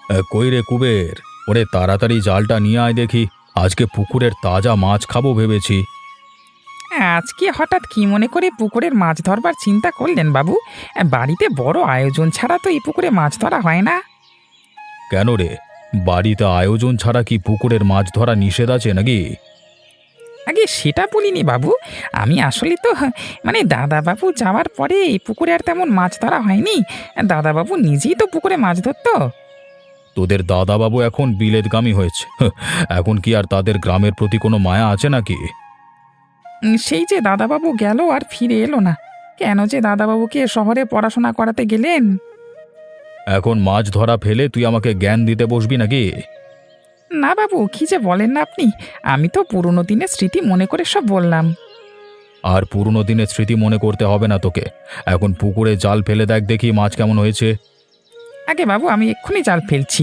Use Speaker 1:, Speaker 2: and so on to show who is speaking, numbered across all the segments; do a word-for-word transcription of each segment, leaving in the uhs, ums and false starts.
Speaker 1: এ, কই রে কুবের, ওরে তাড়াতাড়ি জালটা নিয়ে আয় দেখি। আজকে পুকুরের তাজা মাছ খাবো ভেবেছি।
Speaker 2: আজকে হঠাৎ কি মনে করে পুকুরের মাছ ধরবার চিন্তা করলেন বাবু? বাড়িতে বড় আয়োজন ছাড়া তো এই পুকুরে মাছ ধরা হয় না।
Speaker 1: কেন রে, বাড়িতে আয়োজন ছাড়া কি পুকুরের মাছ ধরা নিষেধ আছে নাকি?
Speaker 2: আগে সেটা বলিনি বাবু। আমি আসলে তো মানে দাদাবাবু যাওয়ার পরে এই পুকুরে আর তেমন মাছ ধরা হয়নি। দাদাবাবু নিজেই তো পুকুরে মাছ ধরতো।
Speaker 1: তোদের দাদাবাবু এখন বিলেতগামী হয়েছে, হ্যাঁ, এখন কি আর তাদের গ্রামের প্রতি কোনো মায়া আছে নাকি?
Speaker 2: উম, সেই যে দাদাবাবু গেল আর ফিরে এলো না। কেন যে দাদাবাবুকে শহরে পড়াশোনা করাতে গেলেন?
Speaker 1: এখন মাছ ধরা ফেলে তুই আমাকে জ্ঞান দিতে বসবি নাকি?
Speaker 2: না বাবু, কি যে বলেন না আপনি! আমি তো পুরনো দিনের স্মৃতি মনে করে সব বললাম।
Speaker 1: আর পুরনো দিনের স্মৃতি মনে করতে হবে না তোকে। এখন পুকুরে জাল ফেলে দেখ দেখি মাছ কেমন হয়েছে।
Speaker 2: আগে বাবু, আমি এক্ষুনি জাল ফেলছি।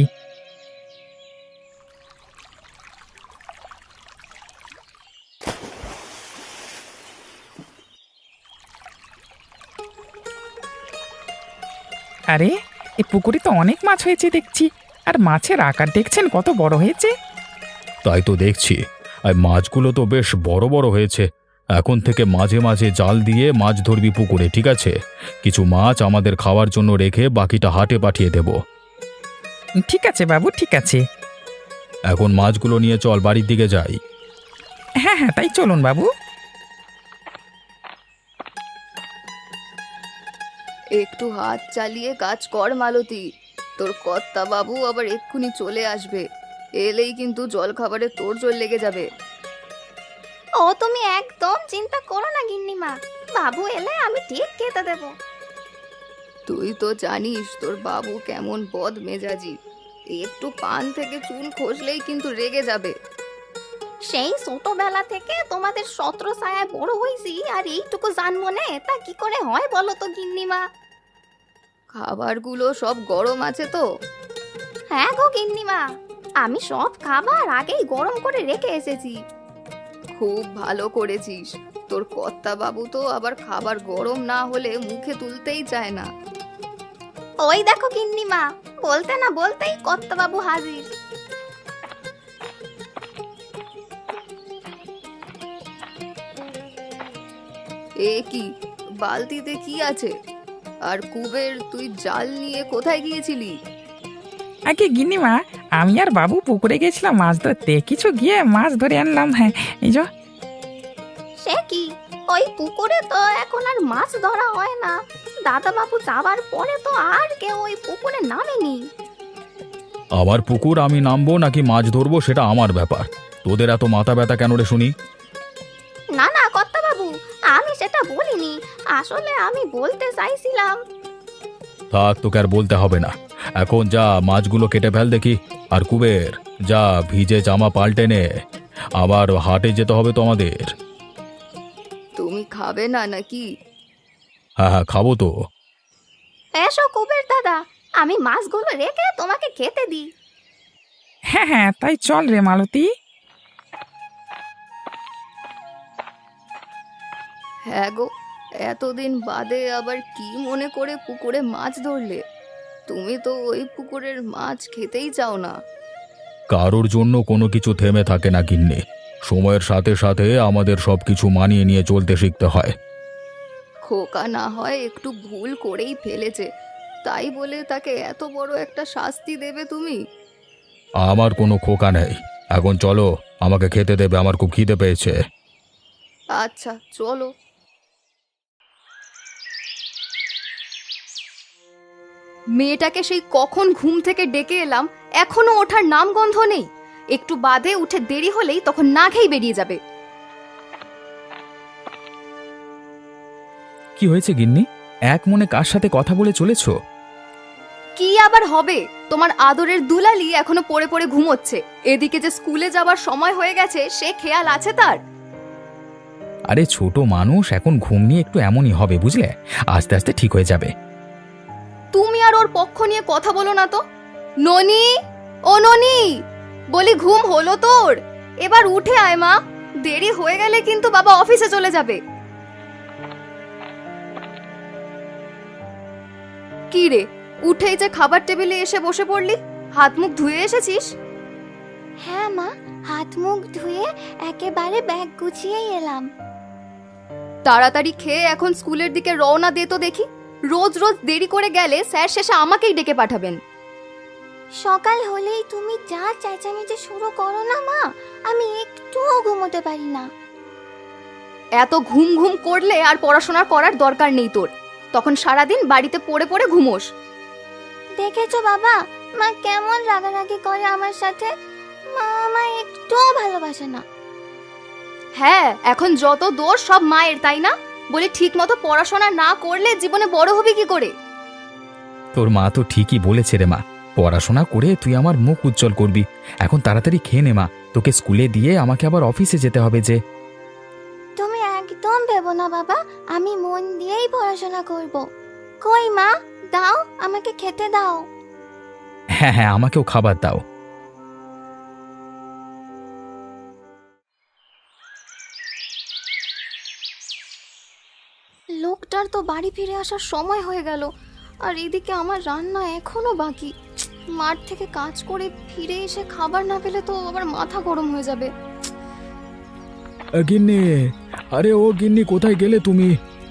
Speaker 2: আরে, এই পুকুরে তো অনেক মাছ হয়েছে দেখছি। আর মাছের আকার দেখছেন কত বড় হয়েছে।
Speaker 1: তাই তো দেখছি, আর মাছগুলো তো বেশ বড় বড় হয়েছে। এখন থেকে মাঝে মাঝে জাল দিয়ে মাছ ধরবি পুকুরে, ঠিক আছে? কিছু মাছ আমাদের খাওয়ার জন্য রেখে বাকিটা হাটে পাঠিয়ে দেব।
Speaker 2: ঠিক আছে বাবু, ঠিক আছে।
Speaker 1: এখন মাছগুলো নিয়ে চল, বাড়ির দিকে যাই।
Speaker 2: হ্যাঁ হ্যাঁ, তাই চলুন বাবু।
Speaker 3: একটু হাত চালিয়ে কাজ কর মালতী, তোর কর্তা বাবু আবার এক্ষুনি চলে আসবে। এলেই কিন্তু জল খাবারে তোর জল লেগে যাবে।
Speaker 4: ও তুমি একদম চিন্তা করো না গিন্নিমা, বাবু এলে আমি ঠিক খেতে দেব।
Speaker 3: তুই তো জানিস তোর বাবু কেমন বদ মেজাজি, একটু পান থেকে চুল খসলেই কিন্তু রেগে যাবে।
Speaker 4: সেই ছোটবেলা থেকে তোমাদের ছত্র ছায়ায় বড় হয়েছি, আর এইটুকু জানবো না তা কি করে হয় বলো তো গিন্নিমা?
Speaker 3: খাবারগুলো সব গরম আছে তো?
Speaker 4: হ্যাঁ গো গিন্নিমা, আমি সব খাবার আগেই গরম করে রেখে এসেছি।
Speaker 3: খুব ভালো করেছিস। তোর কর্তা বাবু তো আবার খাবার গরম না হলে মুখে তুলতেই চায় না।
Speaker 4: ওই দেখো গিন্নিমা, বলতে না বলতেই কর্তাবাবু হাজির।
Speaker 3: এ কি, বালতিতে কি আছে? আর কুবের, তুই জাল নিয়ে কোথায় গিয়েছিলি?
Speaker 2: আগে গিন্নিমা, আমি আর বাবু পুকুরে গেছিলাম মাছ ধরতে, কিছু গিয়ে মাছ ধরে আনলাম। হ্যাঁ, এই যে।
Speaker 4: সে কি, ওই পুকুরে তো এখন আর মাছ ধরা হয় না। দাদাবাবু যাবার পরে তো আর কেউ ওই পুকুরে নামেনি।
Speaker 1: আমার পুকুর আমি নামবো নাকি মাছ ধরবো সেটা আমার ব্যাপার। তোদের এত মাথা ব্যথা কেন রে শুনি?
Speaker 4: না না কর্তাবাবু, আমি সেটা বলিনি। আসলে আমি বলতে চাইছিলাম।
Speaker 1: থাক, তোকে আর বলতে হবে না। এখন যা মাছগুলো কেটে ফেল দেখি। আর কুবের, যা ভিজে জামা পাল্টে নে, আবার হাটে যেতে হবে তো আমাদের।
Speaker 3: তুমি খাবে না নাকি?
Speaker 1: হ্যাঁ হ্যাঁ, খাবো তো।
Speaker 4: এসো কুবের দাদা, আমি মাছগুলো রেখে তোমাকে খেতে দিই।
Speaker 2: হ্যাঁ হ্যাঁ, তাই চল রে মালতী।
Speaker 3: হ্যাঁ গো, এতদিন বাদে আবার কি মনে করে পুকুরে মাছ ধরলে? তুমি তো ওই পুকুরের মাছ খেতেই চাও না।
Speaker 1: কারোর জন্য কোনো কিছু থেমে থাকে না গিন্নি। সময়ের সাথে সাথে আমাদের সবকিছু মানিয়ে নিয়ে চলতে শিখতে হয়।
Speaker 3: খোকা না হয় একটু ভুল করেই ফেলেছে, তাই বলে তাকে এত বড় একটা শাস্তি দেবে তুমি?
Speaker 1: আমার কোনো খোকা নেই। এখন চলো, আমাকে খেতে দেবে, আমার খুব খিদে পেয়েছে।
Speaker 3: আচ্ছা চলো। মেয়েটাকে সেই কখন ঘুম থেকে ডেকে এলাম, এখনো ওঠার নাম গন্ধ নেই। একটু বাদে উঠে দেরি হলেই তখন না খেয়ে বেরিয়ে যাবে।
Speaker 2: কি হয়েছে গিন্নি? এক মনে কার সাথে কথা বলে চলেছ?
Speaker 3: কি আবার হবে, তোমার আদরের দুলালি এখনো পড়ে পড়ে ঘুমোচ্ছে। এদিকে যে স্কুলে যাবার সময় হয়ে গেছে সে খেয়াল আছে তার?
Speaker 2: আরে ছোট মানুষ, এখন ঘুম নিয়ে একটু এমনই হবে বুঝলে, আস্তে আস্তে ঠিক হয়ে যাবে।
Speaker 3: তুমি আর ওর পক্ষ নিয়ে কথা বলো না তো। ননি, ও ননি, বলি ঘুম হলো তোর? এবার উঠে আয় মা, দেরি হয়ে গেলে কিন্তু বাবা অফিসে চলে যাবে। কি রে, উঠেই যে খাবার টেবিলে এসে বসে পড়লি? হাত মুখ ধুয়ে এসেছিস?
Speaker 4: হ্যাঁ মা, হাত মুখ ধুয়ে একেবারে ব্যাগ গুছিয়েই এলাম।
Speaker 3: তাড়াতাড়ি খেয়ে এখন স্কুলের দিকে রওনা দে তো দেখি। রোজ রোজ দেরি করে গেলে স্যার শেষে আমাকেই ডেকে পাঠাবেন।
Speaker 4: সকাল হলেই তুমি যা চেঁচামেচি শুরু করো না মা, আমি একটুও ঘুমোতে পারি না।
Speaker 3: এত ঘুম ঘুম করলে আর পড়াশোনা করার দরকার নেই তোর, তখন সারাদিন বাড়িতে পড়ে পড়ে ঘুমোস।
Speaker 4: দেখেছো বাবা, মা কেমন রাগারাগি করে আমার সাথে। মা আমায় একটুও ভালোবাসে না।
Speaker 3: হ্যাঁ, এখন যত দোষ সব মায়ের, তাই না? বলি ঠিক মতো পড়াশোনা না করলে জীবনে বড় হবি কি করে?
Speaker 1: তোর মা তো ঠিকই বলেছে রে মা, পড়াশোনা করে তুই আমার মুখ উজ্জ্বল করবি। এখন তাড়াতাড়ি খেয়ে নে মা, তোকে স্কুলে দিয়ে আমাকে আবার অফিসে যেতে হবে যে।
Speaker 4: তুমি একদম ভেবো না বাবা, আমি মন দিয়েই পড়াশোনা করব। কই মা, দাও আমাকে খেতে দাও।
Speaker 1: হ্যাঁ হ্যাঁ, আমাকেও খাবার দাও।
Speaker 3: লোকটার তো বাড়ি ফিরে আসার সময় হয়ে গেল, আর এদিকে আমার রান্না এখনো বাকি। মাঠ থেকে কাজ করে ফিরে এসে খাবার না পেলে তো আবার মাথা গরম হয়ে যাবে।
Speaker 1: গিন্নি, আরে ও গিন্নি, কোথায় গেলে তুমি?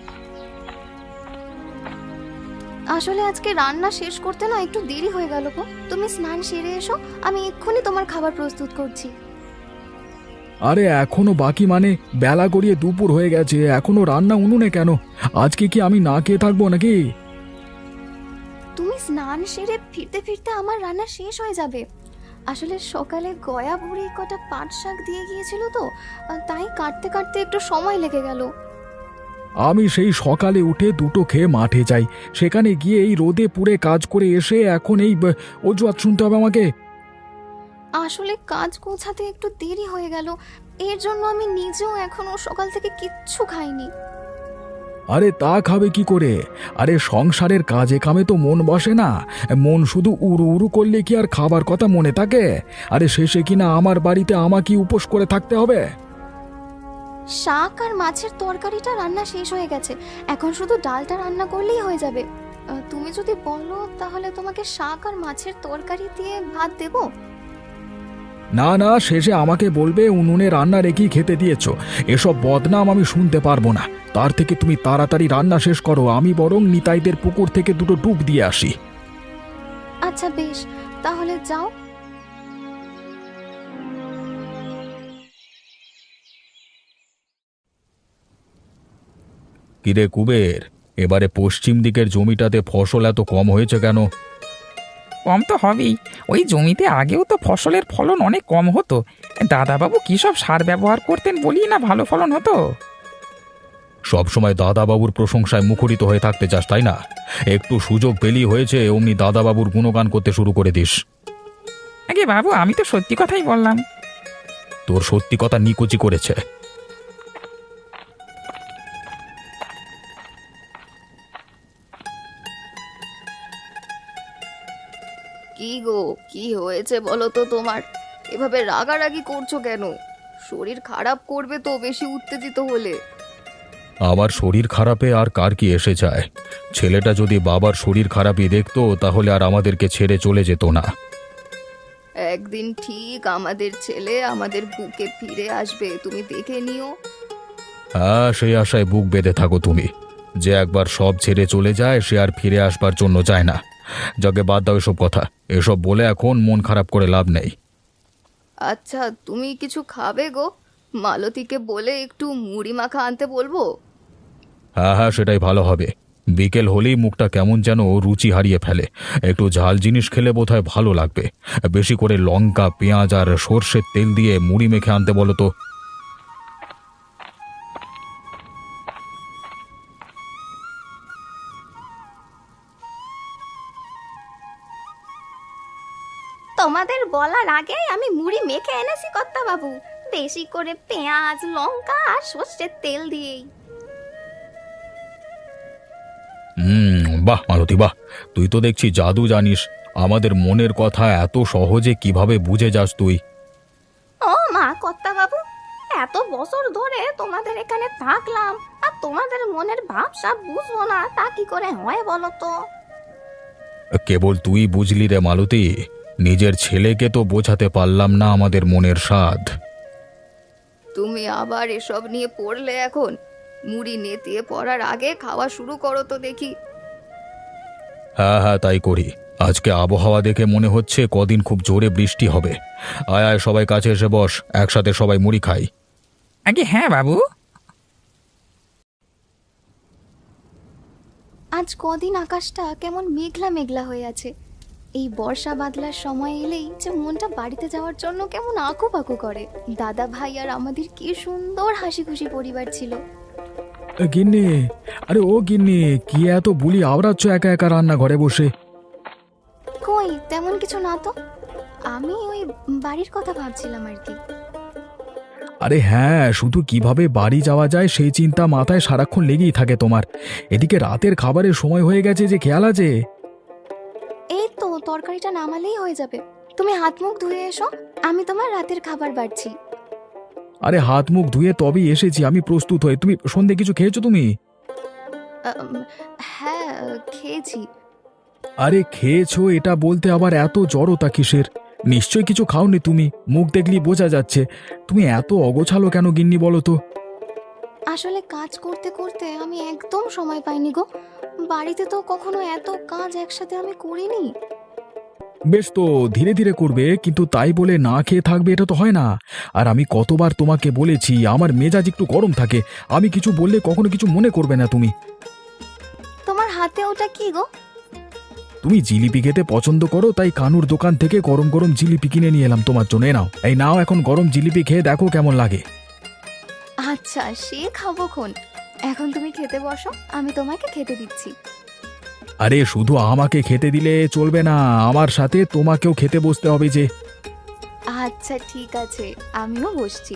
Speaker 3: আসলে আজকে রান্না শেষ করতে না একটু দেরি হয়ে গেল গো। তুমি স্নান সেরে এসো, আমি এক্ষুনি তোমার খাবার প্রস্তুত করছি।
Speaker 1: আরে এখনো বাকি মানে? বেলা গড়িয়ে দুপুর হয়ে গেছে, এখনো রান্না উনুনে কেন? আজকে কি আমি না খেয়ে থাকবো নাকি?
Speaker 3: তুমি স্নান সেরে ফিরতে ফিরতে আমার রান্না শেষ হয়ে যাবে। আসলে সকালে গয়া বুড়ি কটা পাট শাক দিয়ে গিয়েছিল তো, তাই কাটতে কাটতে একটু সময় লেগে গেল।
Speaker 1: আমি সেই সকালে উঠে দুটো খেয়ে মাঠে যাই, সেখানে গিয়ে এই রোদে পুড়ে কাজ করে এসে এখন এই ব- অজুহাত শুনতে হবে আমাকে?
Speaker 3: আসলে কাজ গোছাতে একটু দেরি হয়ে গেল, এর জন্য আমি নিজেও এখনো সকাল থেকে কিচ্ছু খাইনি।
Speaker 1: আরে তা খাবে কি করে? আরে সংসারের কাজে কামে তো মন বসে না, মন শুধু উড়ু উড়ু করলে কি আর খাবার কথা মনে থাকে? আরে শেষে কিনা আমার বাড়িতে আমাকে উপোস করে থাকতে হবে?
Speaker 3: শাক আর মাছের তরকারিটা রান্না শেষ হয়ে গেছে, এখন শুধু ডালটা রান্না করলেই হয়ে যাবে। আহ, তুমি যদি বলো তাহলে তোমাকে শাক আর মাছের তরকারি দিয়ে ভাত দেবো।
Speaker 1: না না, শেষে আমাকে বলবে উনুনে রান্না রেখেই খেতে দিয়েছো। এসব বদনাম আমি শুনতে পারবো না। তার থেকে তুমি তাড়াতাড়ি রান্না শেষ করো, আমি বরং নিতাইদের পুকুর থেকে দুটো ডুব দিয়ে আসি।
Speaker 3: আচ্ছা বেশ, তাহলে যাও।
Speaker 1: কিরে কুবের, এবারে পশ্চিম দিকের জমিটাতে ফসল এত কম হয়েছে কেন?
Speaker 2: কম তো হবেই, ওই জমিতে আগেও তো ফসলের ফলন অনেক কম হতো। দাদাবাবু কী সব সার ব্যবহার করতেন বলি না ভালো ফলন হতো।
Speaker 1: সবসময় দাদাবাবুর প্রশংসায় মুখরিত হয়ে থাকতে চাস তাই না? একটু সুযোগ পেলেই হয়েছে অমনি দাদাবাবুর গুণগান করতে শুরু করে দিস।
Speaker 2: আগে বাবু, আমি তো সত্যি কথাই বললাম।
Speaker 1: তোর সত্যি কথা নিকুচি করেছে।
Speaker 3: কি গো, কি হয়েছে বলো তো তোমার? এভাবে রাগারাগি করছো কেন? শরীর খারাপ করবে তো বেশি উত্তেজিত হলে।
Speaker 1: আমার শরীর খারাপে আর কার কি এসে যায়? ছেলেটা যদি বাবার শরীর খারাপই দেখতো তাহলে আর আমাদেরকে ছেড়ে চলে যেত না।
Speaker 3: একদিন ঠিক আমাদের ছেলে আমাদের বুকে ফিরে আসবে, তুমি দেখে নিও।
Speaker 1: হ্যাঁ, সেই আশায় বুক বেঁধে থাকো তুমি। যে একবার সব ছেড়ে চলে যায় সে আর ফিরে আসবার জন্য যায় না। যাকে বাদ দাও এসব কথা, এসব বলে এখন মন খারাপ করে লাভ নেই।
Speaker 3: আচ্ছা, তুমি কিছু খাবে গো? মালতীকে বলে একটু মুড়ি মাখা আনতে বলবো?
Speaker 1: হ্যাঁ হ্যাঁ, সেটাই ভালো হবে। বিকেল হলেই মুখটা কেমন যেন রুচি হারিয়ে ফেলে। একটু ঝাল জিনিস খেলে বোধহয় ভালো লাগবে। বেশি করে লঙ্কা, পেঁয়াজ আর সর্ষের তেল দিয়ে মুড়ি মেখে আনতে বলো তো।
Speaker 4: তোমাদের বলার আগে আমি মুড়ি মেখে এনেছি কর্তা বাবু, বেশি করে পেঁয়াজ লঙ্কা আর সর্ষের তেল দিয়েই।
Speaker 1: হুম, বাহ মালতী বাহ, তুই তো দেখছি জাদু জানিস। আমাদের মনের কথা এত সহজে কিভাবে বুঝে যাস তুই?
Speaker 4: ও মা কর্তা বাবু, এত বছর ধরে তোমাদের এখানে থাকলাম আর তোমাদের মনের ভাব সব বুঝবো না, তা কি করে হয় বলো তো?
Speaker 1: কেবল তুই বুঝলি রে মালতী। নিজের ছেলেকে তো বোঝাতে পারলাম না আমাদের মনের স্বাদ।
Speaker 3: তুমি আবার এসব নিয়ে পড়লে এখন? মুড়ি নেতিয়ে পড়ার আগে খাওয়া শুরু করো তো দেখি।
Speaker 1: হ্যাঁ হ্যাঁ, তাই করি। আজকে আবহাওয়া দেখে মনে হচ্ছে কদিন খুব জোরে বৃষ্টি হবে। আয় আয়, সবাই কাছে এসে বস, একসাথে সবাই মুড়ি খাই।
Speaker 2: আগে হ্যাঁ বাবু।
Speaker 3: আজ কদিন আকাশটা কেমন মেঘলা মেঘলা হয়ে আছে। এই বর্ষা বাদলার সময় এলেই যে মনটা বাড়িতে যাওয়ার জন্য কেমন আঁকু পাকু করে। দাদা ভাই আর আমাদের কি সুন্দর হাসি খুশি পরিবার ছিল।
Speaker 1: গিন্নি, আরে ও গিন্নি, কি এত বুলি আওড়াচ্ছ একা একা রান্নাঘরে বসে?
Speaker 3: কই তেমন কিছু না তো, আমি ওই বাড়ির কথা ভাবছিলাম আর কি।
Speaker 1: আরে হ্যাঁ, শুধু কিভাবে বাড়ি যাওয়া যায় সেই চিন্তা মাথায় সারাক্ষণ লেগেই থাকে তোমার। এদিকে রাতের খাবারের সময় হয়ে গেছে, যে খেয়াল আছে?
Speaker 3: এই তো তরকারিটা নামালেই হয়ে যাবে। তুমি হাত মুখ ধুয়ে এসো, আমি তোমার রাতের খাবার বাড়ছি।
Speaker 1: আরে হাত মুখ ধুয়ে তবেই এসেছি আমি প্রস্তুত হয়ে। তুমি সন্ধে কিছু খেয়েছো তুমি?
Speaker 3: আম, হ্যাঁ খেয়েছি।
Speaker 1: আরে খেয়েছো এটা বলতে আবার এত জড়তা কিসের? নিশ্চয় কিছু খাওনি তুমি, মুখ দেখলেই বোঝা যাচ্ছে। তুমি এত অগোছালো কেন গিন্নি বলো তো?
Speaker 3: আসলে কাজ করতে করতে আমি একদম সময় পাইনি গো। বাড়িতে তো কখনো এত কাজ একসাথে আমি করিনি।
Speaker 1: বেশ, তো ধীরে ধীরে করবে, কিন্তু তাই বলে না খেয়ে থাকবে এটা তো হয় না। আর আমি কতবার তোমাকে বলেছি আমার মেজাজ একটু গরম থাকে, আমি কিছু বললে কখনো কিছু মনে করবে না তুমি।
Speaker 3: তোমার হাতে ওটা কি গো?
Speaker 1: তুমি জিলিপি খেতে পছন্দ করো, তাই কানুর দোকান থেকে গরম গরম জিলিপি কিনে নিয়ে এলাম তোমার জন্য। এ নাও, এই নাও, এখন গরম জিলিপি খেয়ে দেখো কেমন লাগে।
Speaker 3: আচ্ছা সে খাবো খন। এখন তুমি খেতে বসো, আমি তোমাকে খেতে দিচ্ছি।
Speaker 1: আরে শুধু আমাকে খেতে দিলে চলবে না, আমার সাথে তোমাকেও খেতে বসতে হবে যে।
Speaker 3: আচ্ছা ঠিক আছে, আমিও বসছি।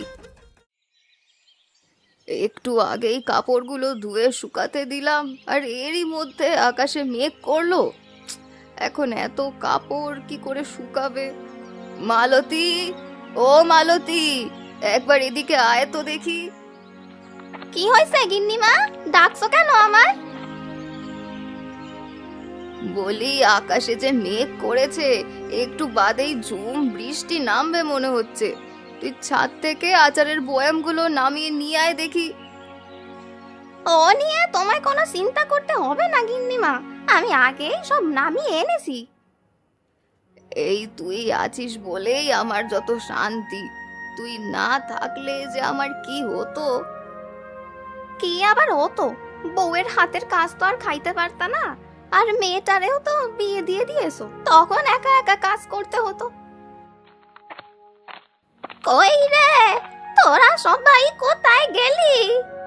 Speaker 3: একটু আগেই কাপড়গুলো ধুয়ে শুকাতে দিলাম, আর এরই মধ্যে আকাশে মেঘ করলো। এখন এত কাপড় কি করে শুকাবে? মালতী, ও মালতী, একবার এদিকে আয় তো দেখি।
Speaker 4: কি হয়েছে গিন্নিমা, ডাকছো কেন আমায়?
Speaker 3: বলি আকাশে যে মেঘ করেছে, একটু বাদেই ঝুম বৃষ্টি নামবে মনে হচ্ছে। তুই ছাদ থেকে আচারের বয়ামগুলো নামিয়ে নিয়ে আয় দেখি।
Speaker 4: ও নিয়ে তোমায় কোনো চিন্তা করতে হবে না গিন্নিমা, আমি আগেই সব নামিয়ে এনেছি।
Speaker 3: এই তুই আছিস বলেই আমার যত শান্তি। তুই না থাকলে যে আমার কি হতো।
Speaker 4: কি আবার হতো? বউয়ের হাতের কাজ তো আর খাইতে পারতা না, আর মেয়েটারেও তো বিয়ে দিয়ে দিয়েছো, তখন একা একা কাজ করতে হতো। কই রে, তোরা সবাই কোথায় গেলি?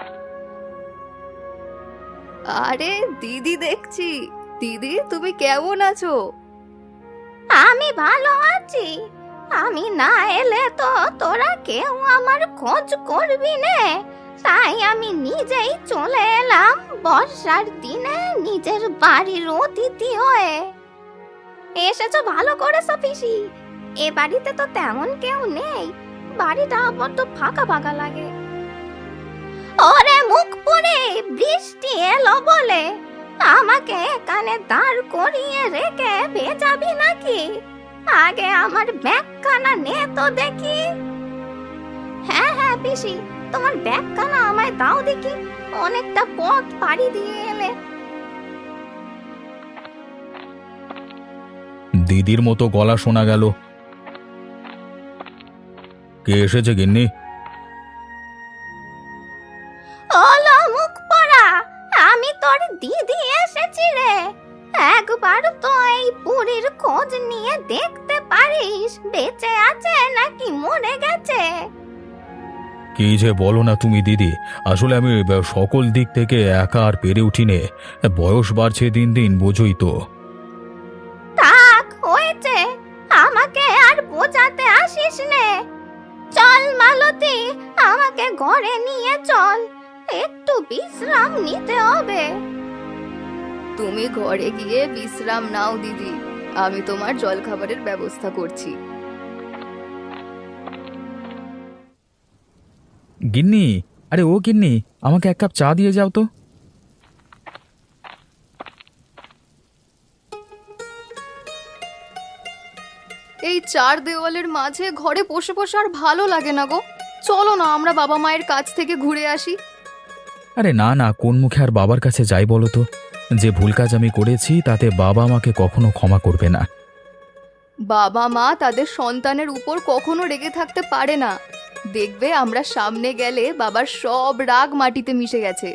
Speaker 3: আরে দিদি দেখছি। দিদি তুমি কেমন আছো?
Speaker 4: আমি ভালো আছি। আমি না এলে তো তোরা কেউ আমার খোঁজ করবি না, তাই আমি নিজেই চলে এলাম বর্ষার দিনে নিজের বাড়ির অতিথি হয়ে। এসেছো ভালো করেছো পিসি, এ বাড়িতে তো তেমন কেউ নেই, বাড়িটা বড্ড ফাঁকা ফাঁকা লাগে। ওরে মুখ পুড়ে বৃষ্টি এলো বলে আমাকে এখানে দাঁড় করিয়ে রেখে ভেজাবি নাকি? আগে আমার ব্যাগখানা নে তো দেখি। হ্যাঁ হ্যাঁ পিসি, তোমার ব্যাগখানা আমায় দাও দেখি, অনেকটা পথ পাড়ি দিয়ে এলে।
Speaker 1: দিদির মতো গলা শোনা গেল। কে এসেছে গিন্নি?
Speaker 4: ওলো মুখ পড়া, আমি তোর দিদি এসেছি রে। একবার তো এই বুড়ির খোঁজ নিয়ে দেখতে পারিস বেঁচে আছে নাকি মরে গেছে।
Speaker 1: কি যে বলো না তুমি দিদি, আসলে আমি সকল দিক থেকে একা আর পেরে উঠিনে। বয়স বাড়ছে দিন দিন, বোঝই তো।
Speaker 4: থাক হয়েছে, আমাকে আর বোঝাতে আসিস নে। চল মালতী, আমাকে ঘরে নিয়ে চল, একটু বিশ্রাম নিতে হবে।
Speaker 3: তুমি ঘরে গিয়ে বিশ্রাম নাও দিদি, আমি তোমার জলখাবারের ব্যবস্থা করছি।
Speaker 1: গিন্নি, আরে ও গিন্নি, আমাকে এক কাপ চা দিয়ে যাও তো।
Speaker 3: এই চার দেওয়ালের মাঝে ঘরে বসে বসে আর ভালো লাগে না গো। চলো না আমরা বাবা মায়ের কাছ থেকে ঘুরে আসি।
Speaker 1: আরে না না, কোন মুখে আর বাবার কাছে যাই বলো তো? যে ভুল কাজ আমি করেছি তাতে বাবা আমাকে কখনো ক্ষমা করবে না।
Speaker 3: বাবা মা তাদের সন্তানের উপর কখনো রেগে থাকতে পারে না। দেখবে আমরা সামনে গেলে বাবার সব রাগ মাটিতে মিশে গেছে।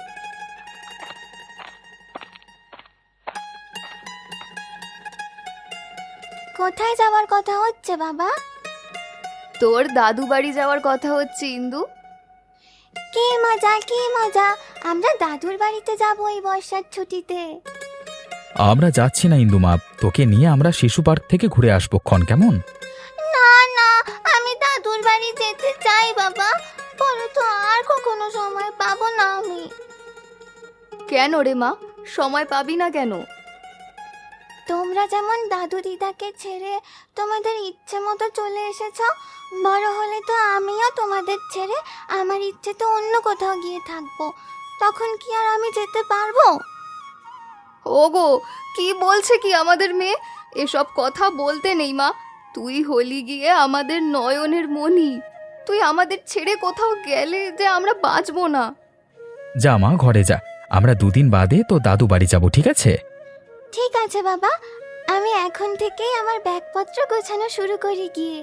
Speaker 4: কোথায় যাওয়ার কথা হচ্ছে বাবা?
Speaker 3: তোর দাদু বাড়ি যাওয়ার কথা হচ্ছে ইন্দু।
Speaker 4: কি মজা কি মজা, আমরা দাদুর বাড়িতে যাব এই বর্ষার ছুটিতে।
Speaker 1: আমরা যাচ্ছি না ইন্দুমা, তোকে নিয়ে আমরা শিশু পার্ক থেকে ঘুরে আসবো ক্ষণ, কেমন?
Speaker 4: না না, আমি দাদুর বাড়ি যেতে চাই বাবা, পরে তো আর কখনো সময় পাবো না আমি।
Speaker 3: কেন রে মা, সময় পাবি না কেন?
Speaker 4: তোমরা যেমন দাদু দিদাকে ছেড়ে তোমাদের ইচ্ছে মতো চলে এসেছো, বড় হলে তো আমিও তোমাদের ছেড়ে আমার ইচ্ছে তো অন্য কোথাও গিয়ে থাকবো, তখন কি আর আমি যেতে পারবো?
Speaker 3: ওগো, কি বলছে কি আমাদের মেয়ে? এসব কথা বলতে নেই মা। তুই হলি গিয়ে আমাদের নয়নের মণি। তুই আমাদের ছেড়ে কোথাও গেলে যে আমরা বাঁচবো না।
Speaker 1: যা মা, ঘরে যা, আমরা দুদিন বাদে তো দাদু বাড়ি যাব, ঠিক আছে?
Speaker 4: ঠিক আছে বাবা, আমি এখন থেকেই আমার ব্যাগপত্র গোছানো শুরু করি গিয়ে।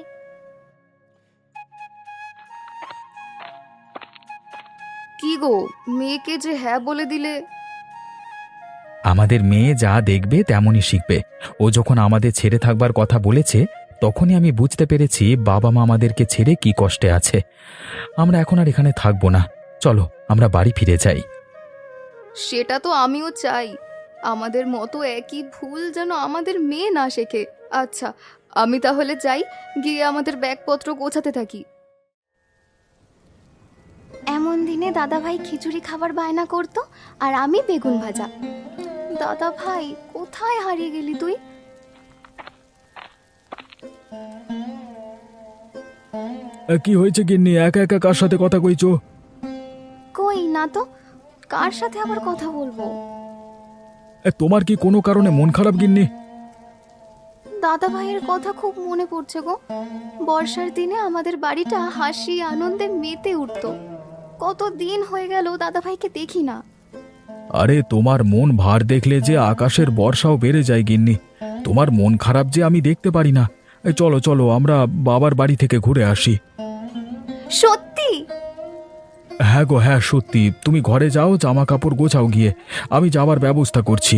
Speaker 3: কি গো, মেয়েকে যে হ্যাঁ বলে দিলে?
Speaker 1: আমাদের মেয়ে যা দেখবে তেমনই শিখবে। ও যখন আমাদের ছেড়ে থাকবার কথা বলেছে তখনই আমি বুঝতে পেরেছি বাবা মা আমাদেরকে ছেড়ে কি কষ্টে আছে। আমরা এখন আর এখানে থাকবো না, চলো আমরা বাড়ি ফিরে যাই।
Speaker 3: সেটা তো আমিও চাই। আমাদের মতো একই ভুল যেন আমাদের মেয়ে না শেখে। আচ্ছা, আমি তাহলে যাই, গিয়ে আমাদের ব্যাগপত্র গোছাতে থাকি। এমন দিনে দাদা ভাই খিচুড়ি খাবার বায়না করতো আর আমি বেগুন ভাজা। দাদা ভাই, কোথায় হারিয়ে গেলি তুই?
Speaker 1: কি হয়েছে গিন্নি, একা একা কার সাথে কথা কইছো?
Speaker 3: কই না তো, কার সাথে আবার কথা বলবো?
Speaker 1: তোমার কি কোনো কারণে মন খারাপ গিন্নি?
Speaker 3: দাদা ভাইয়ের কথা খুব মনে পড়ছে গো। বর্ষার দিনে আমাদের বাড়িটা হাসি আনন্দে মেতে উঠতো। কত দিন হয়ে গেল দাদা ভাইকে দেখি না।
Speaker 1: আরে তোমার মন ভার দেখলে যে আকাশের বর্ষাও বেড়ে যায় গিন্নি। তোমার মন খারাপ যে আমি দেখতে পারি না। এই চলো চলো আমরা বাবার বাড়ি থেকে ঘুরে আসি।
Speaker 3: সত্যি?
Speaker 1: হ্যাঁ গো হ্যাঁ, সত্যি। তুমি ঘরে যাও, জামা কাপড় গোছাও গিয়ে, আমি যাবার ব্যবস্থা করছি।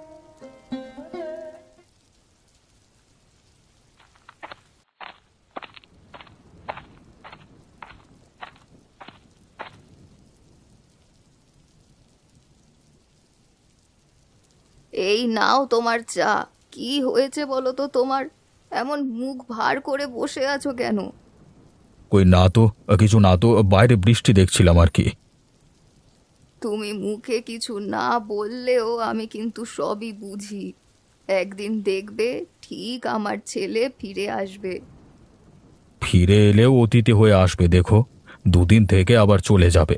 Speaker 3: এই নাও তোমার চা। কি হয়েছে বলো তো তোমার? এমন মুখ ভার করে বসে আছো কেন?
Speaker 1: কই না তো, কিছু না তো, বাইরে বৃষ্টি দেখছিলাম আর কি।
Speaker 3: তুমি মুখে কিছু না বললেও আমি কিন্তু সবই বুঝি। একদিন দেখবে ঠিক আমার ছেলে ফিরে আসবে।
Speaker 1: ফিরে এলেও অতিথি হয়ে আসবে, দেখো, দুদিন থেকে আবার চলে যাবে।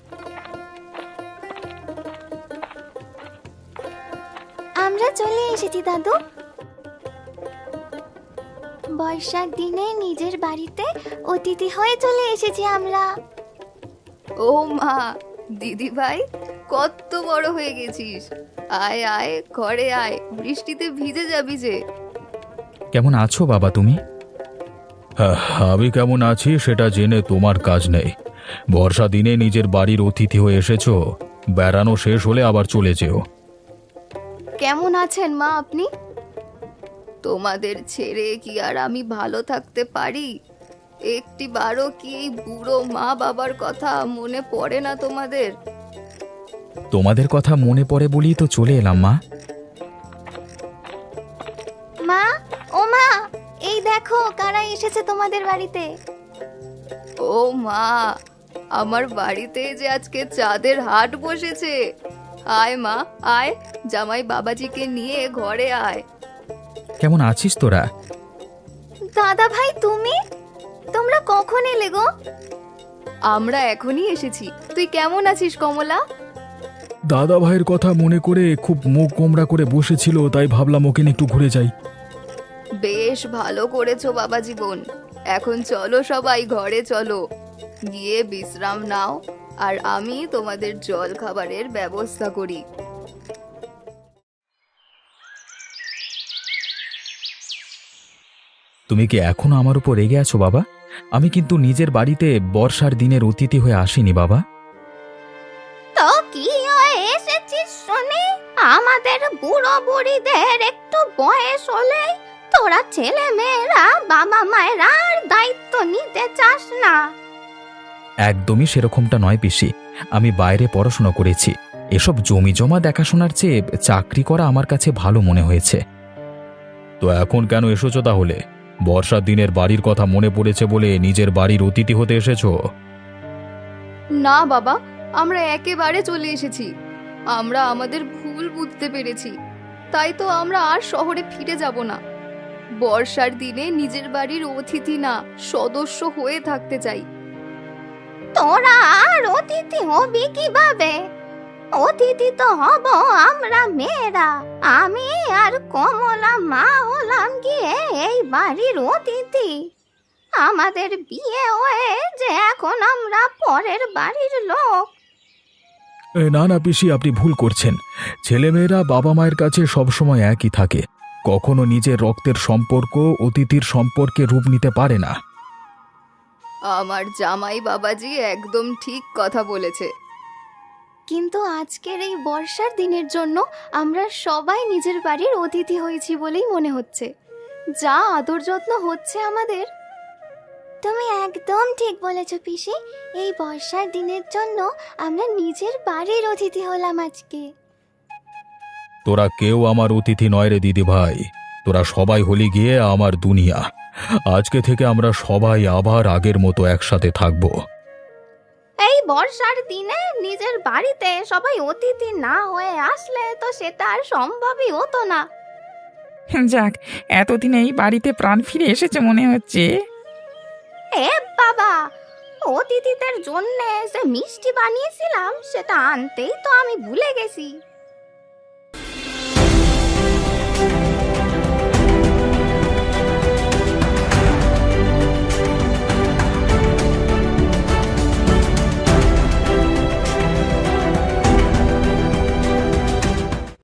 Speaker 4: আমরা চলে এসেছি দাদু। বর্ষার দিনে নিজের বাড়িতে অতিথি হয়ে চলে এসেছি আমরা।
Speaker 3: ও মা, দিদি ভাই, কত বড় হয়ে গেছিস। আয় আয়, ঘরে আয়, বৃষ্টিতে ভিজে যাবি যে।
Speaker 1: কেমন আছো বাবা তুমি? আমি কেমন আছি সেটা জেনে তোমার কাজ নেই। বর্ষা দিনে নিজের বাড়ির অতিথি হয়ে এসেছো, বেড়ানো শেষ হলে আবার চলে যেও।
Speaker 3: কেমন আছেন মা আপনি? তোমাদের ছেড়ে কি আর আমি ভালো থাকতে পারি? একটি বারও কি এই বুড়ো মা বাবার কথা মনে পড়ে না তোমাদের?
Speaker 1: তোমাদের কথা মনে পড়ে বলেই তো চলে এলাম মা।
Speaker 4: মা, ও মা, এই দেখো কারা এসেছে তোমাদের বাড়িতে।
Speaker 3: ও মা, আমার বাড়িতে যে আজকে চাঁদের হাট বসেছে। আয় মা আয়, জামাই বাবাজিকে নিয়ে ঘরে আয়।
Speaker 1: কেমন আছিস তোরা?
Speaker 4: দাদা ভাই তুমি, তোমরা কখন এলে গো?
Speaker 3: আমরা এখনই এসেছি। তুই কেমন আছিস কমলা?
Speaker 1: দাদা ভাইয়ের কথা মনে করে খুব মুখ গোমড়া করে বসেছিল, তাই ভাবলাম ওকে নিয়ে একটু ঘুরে যাই।
Speaker 3: বেশ ভালো করেছো বাবা জীবন। এখন চলো সবাই ঘরে চলো, গিয়ে বিশ্রাম নাও, আর আমি তোমাদের জল খাবারের ব্যবস্থা করি।
Speaker 1: তুমি কি এখনো আমার উপর রেগে আছো বাবা? আমি কিন্তু নিজের বাড়িতে বর্ষার দিনের অতিথি হয়ে আসিনি বাবা।
Speaker 4: তো কি হয়ে এসেছিস শুনি? আমাদের বুড়ো বুড়িদের একটু বয়স হলেই তোরা ছেলে মেয়েরা বাবা মায়ের আর দায়িত্ব নিতে চাস না।
Speaker 1: একদমই সেরকমটা নয় পিসি। আমি বাইরে পড়াশোনা করেছি, এসব জমি জমা দেখাশোনার চেয়ে চাকরি করা আমার কাছে ভালো মনে হয়েছে। তো এখন কেন এসেছো তাহলে? বর্ষার দিনের বাড়ির কথা মনে পড়েছে বলে নিজের বাড়ির অতিথি হতে এসেছো?
Speaker 3: না বাবা, আমরা একেবারে চলে এসেছি। আমরা আমাদের ভুল বুঝতে পেরেছি, তাই তো আমরা আর শহরে ফিরে যাব না। বর্ষার দিনে নিজের বাড়ির অতিথি না, সদস্য হয়ে থাকতে চাই।
Speaker 4: তোরা আর অতিথি হবি কিভাবে? অতিথি তো হব আমরা মেয়েরা। আমি আর কমলা মা হলাম গিয়ে এই বাড়ির অতিথি। আমাদের বিয়ে হয়ে যে এখন আমরা পরের বাড়ির লোক।
Speaker 1: এ, না না পিসি, আপনি ভুল করছেন। ছেলেমেয়েরা বাবা মায়ের কাছে সবসময় একই থাকে, কখনো নিজের রক্তের সম্পর্ক অতিথির সম্পর্কে রূপ নিতে পারে না।
Speaker 3: আমার জামাই বাবাজি একদম ঠিক কথা বলেছে। কিন্তু আজকের এই বর্ষার দিনের জন্য আমরা সবাই নিজের বাড়ির অতিথি হয়েছি বলেই মনে হচ্ছে। যা আদর যত্ন হচ্ছে আমাদের।
Speaker 4: তুমি একদম ঠিক বলেছ পিসি। এই বর্ষার দিনের জন্য আমরা নিজের বাড়ির অতিথি হলাম আজকে।
Speaker 1: তোরা কেউ আমার অতিথি নয় রে দিদি ভাই, তোরা সবাই হলি গিয়ে আমার দুনিয়া। আজকে থেকে আমরা সবাই আবার আগের মতো একসাথে থাকবো।
Speaker 4: এই বর্ষার দিনে নিজের বাড়িতে সবাই অতিথি না হয়ে আসলে তো সেটা আর সম্ভবই হতো না।
Speaker 2: যাক, এতদিনে এই বাড়িতে প্রাণ ফিরে এসেছে মনে হচ্ছে।
Speaker 4: এ বাবা, অতিথিদের জন্য যে মিষ্টি বানিয়েছিলাম সেটা আনতেই তো আমি ভুলে গেছি।